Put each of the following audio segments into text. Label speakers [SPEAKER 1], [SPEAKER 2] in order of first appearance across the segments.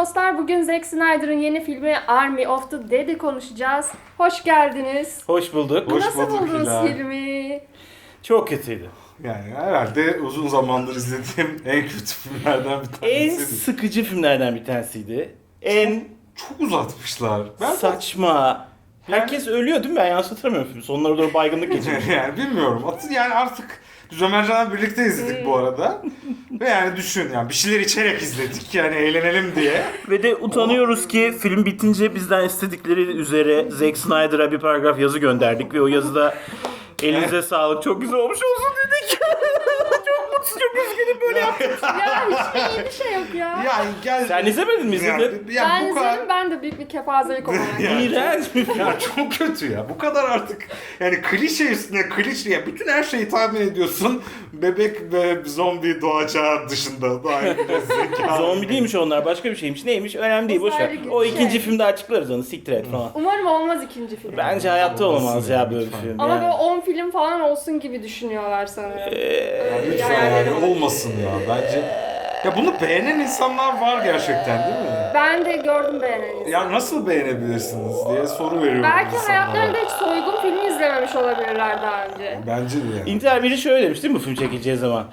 [SPEAKER 1] dostlar. Bugün Zack Snyder'ın yeni filmi Army of the Dead'i konuşacağız. Hoş geldiniz.
[SPEAKER 2] Hoş bulduk.
[SPEAKER 3] Hoş
[SPEAKER 1] Nasıl
[SPEAKER 3] bulduk
[SPEAKER 1] buldunuz
[SPEAKER 3] Hilal.
[SPEAKER 1] filmi?
[SPEAKER 2] Çok kötüydü.
[SPEAKER 3] Yani herhalde uzun zamandır izlediğim en kötü filmlerden bir
[SPEAKER 2] En
[SPEAKER 3] tanesiydi.
[SPEAKER 2] sıkıcı filmlerden bir tanesiydi. En
[SPEAKER 3] Çok uzatmışlar. Ben
[SPEAKER 2] saçma. Herkes ölüyor değil mi? Ben yanlış hatırlamıyorum filmi. Sonlara doğru baygınlık geçirmiş.
[SPEAKER 3] yani bilmiyorum. Yani artık biz Ömercan'la birlikte izledik bu arada. Ve yani düşün yani bir şeyler içerek izledik yani eğlenelim diye.
[SPEAKER 2] Ve de utanıyoruz ki film bitince bizden istedikleri üzere Zack Snyder'a bir paragraf yazı gönderdik. Ve o yazıda elinize sağlık çok güzel olmuş olsun dedik. Çok mutsuz, çok üzgünüm böyle yaptım.
[SPEAKER 1] Ya hiçbir iyi bir şey yok ya.
[SPEAKER 3] Yani gel.
[SPEAKER 2] Sen izlemedin mi? İzledin.
[SPEAKER 1] Ben
[SPEAKER 3] bu kadar.
[SPEAKER 1] izledim, ben de büyük bir kepazelik olarak.
[SPEAKER 2] İğrenç bir film.
[SPEAKER 3] Ya çok kötü ya. Bu kadar artık yani klişe üstüne klişe ya. Bütün her şeyi tahmin ediyorsun. Bebek ve zombi doğacağı dışında. Daha zeka.
[SPEAKER 2] Zombi değilmiş onlar, başka bir şeymiş. Neymiş? Önemli değil, boş ver.
[SPEAKER 1] Uzaylı
[SPEAKER 2] O
[SPEAKER 1] şey.
[SPEAKER 2] ikinci filmde açıklarız onu, siktir et falan.
[SPEAKER 1] Umarım olmaz ikinci film.
[SPEAKER 2] Bence hayatta olamaz ya böyle bir film.
[SPEAKER 1] Ama
[SPEAKER 2] yani.
[SPEAKER 1] böyle 10 film falan olsun gibi düşünüyorlar sanırım.
[SPEAKER 3] Ya lütfen
[SPEAKER 1] hayalleri
[SPEAKER 3] yani
[SPEAKER 1] var.
[SPEAKER 3] olmasın ya bence. Ya bunu beğenen insanlar var gerçekten değil mi?
[SPEAKER 1] Ben de gördüm beğeneni.
[SPEAKER 3] Ya nasıl beğenebilirsiniz diye soru veriyorum
[SPEAKER 1] Belki
[SPEAKER 3] insanlara.
[SPEAKER 1] hayatlarında hiç soygun filmi izlememiş olabilirler daha önce.
[SPEAKER 3] Bence de yani.
[SPEAKER 2] İntihar biri şöyle demiş değil mi bu film çekileceği zaman?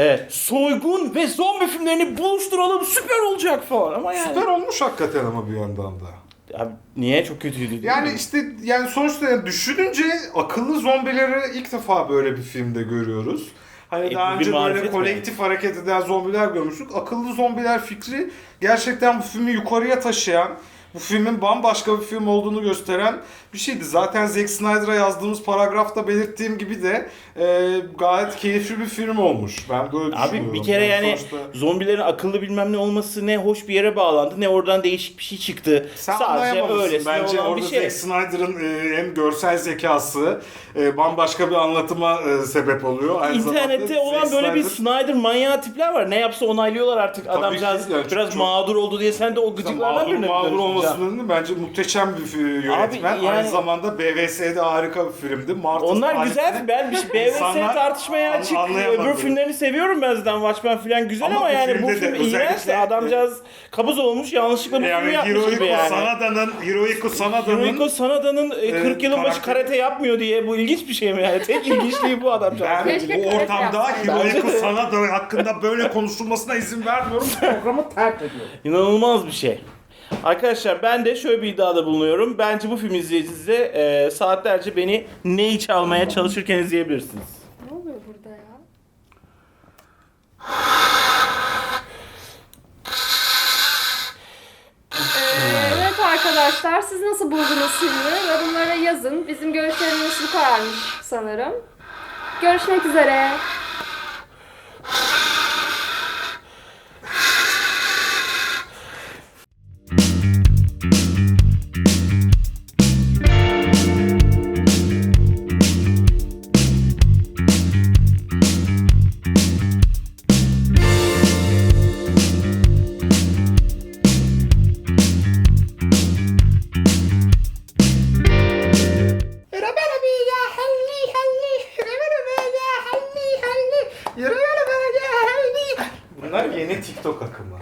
[SPEAKER 2] Soygun ve zombi filmlerini buluşturalım, süper olacak falan ama yani.
[SPEAKER 3] Süper olmuş hakikaten ama bir yandan da.
[SPEAKER 2] Abi niye, çok kötüydü değil
[SPEAKER 3] Yani
[SPEAKER 2] mi?
[SPEAKER 3] işte yani sonuçta yani düşününce akıllı zombileri ilk defa böyle bir filmde görüyoruz. Hani daha
[SPEAKER 2] bir
[SPEAKER 3] önce
[SPEAKER 2] marifet
[SPEAKER 3] böyle
[SPEAKER 2] mi?
[SPEAKER 3] kolektif hareket eden zombiler görmüştük. Akıllı zombiler fikri gerçekten bu filmi yukarıya taşıyan, bu filmin bambaşka bir film olduğunu gösteren bir şeydi. Zaten Zack Snyder'a yazdığımız paragrafta belirttiğim gibi de gayet keyifli bir film olmuş. Ben böyle düşünüyorum.
[SPEAKER 2] Abi bir kere yani
[SPEAKER 3] sonuçta...
[SPEAKER 2] zombilerin akıllı bilmem ne olması ne hoş bir yere bağlandı ne oradan değişik bir şey çıktı.
[SPEAKER 3] Sen
[SPEAKER 2] Sadece
[SPEAKER 3] anlayamamışsın.
[SPEAKER 2] öylesine
[SPEAKER 3] Bence
[SPEAKER 2] olan
[SPEAKER 3] orada
[SPEAKER 2] bir şey.
[SPEAKER 3] Zack Snyder'ın hem görsel zekası bambaşka bir anlatıma sebep oluyor. Aynı
[SPEAKER 2] İnternette
[SPEAKER 3] zamanda
[SPEAKER 2] olan
[SPEAKER 3] Zack
[SPEAKER 2] böyle bir
[SPEAKER 3] Snyder-
[SPEAKER 2] Snyder manyağı tipler var. Ne yapsa onaylıyorlar artık.
[SPEAKER 3] Tabii
[SPEAKER 2] Adamcağız
[SPEAKER 3] ki yani
[SPEAKER 2] biraz
[SPEAKER 3] çok-
[SPEAKER 2] mağdur oldu diye sen de o gıcıklardan birine
[SPEAKER 3] mağdur
[SPEAKER 2] dönüştün.
[SPEAKER 3] olmasının bence muhteşem bir yönetmen.
[SPEAKER 2] Abi yani-
[SPEAKER 3] Aynı zamanda BVS'de harika bir filmdi. Martin
[SPEAKER 2] Onlar
[SPEAKER 3] Scorsese-
[SPEAKER 2] güzel. Ben bir BVS
[SPEAKER 3] İnsanlar
[SPEAKER 2] tartışmaya açık.
[SPEAKER 3] anlayamadı.
[SPEAKER 2] Öbür filmlerini seviyorum ben zaten. Watchmen falan güzel
[SPEAKER 3] Ama
[SPEAKER 2] ama
[SPEAKER 3] bu
[SPEAKER 2] yani bu
[SPEAKER 3] filmde de
[SPEAKER 2] film
[SPEAKER 3] özellikle-
[SPEAKER 2] iğrençti. Adamcağız kabız olmuş, yanlışlıkla bu filmi
[SPEAKER 3] Yani
[SPEAKER 2] yapmış gibi yani.
[SPEAKER 3] Hirohiko Sanada'nın
[SPEAKER 2] Hirohiko Sanada'nın 40 yılın başı
[SPEAKER 3] karakteri-
[SPEAKER 2] karate yapmıyor diye bu ilginç bir şey mi yani? Tek ilginçliği bu adamcağız.
[SPEAKER 3] ben
[SPEAKER 1] Keşke
[SPEAKER 3] bu
[SPEAKER 1] karate
[SPEAKER 3] ortamda
[SPEAKER 1] yapsaydı.
[SPEAKER 3] Hirohiko
[SPEAKER 2] Bence de.
[SPEAKER 3] Sanada hakkında böyle konuşulmasına izin vermiyorum. Programı terk ediyorum.
[SPEAKER 2] İnanılmaz bir şey. Arkadaşlar ben de şöyle bir iddiada bulunuyorum. Bence bu film izleyicisi de saatlerce beni neyi çalmaya çalışırken izleyebilirsiniz.
[SPEAKER 1] Ne oluyor burada ya? Evet arkadaşlar, siz nasıl buldunuz filmi? Yorumlara yazın. Bizim görüşlerimiz bu kadarmış sanırım. Görüşmek üzere.
[SPEAKER 3] Bunlar yeni TikTok akımı.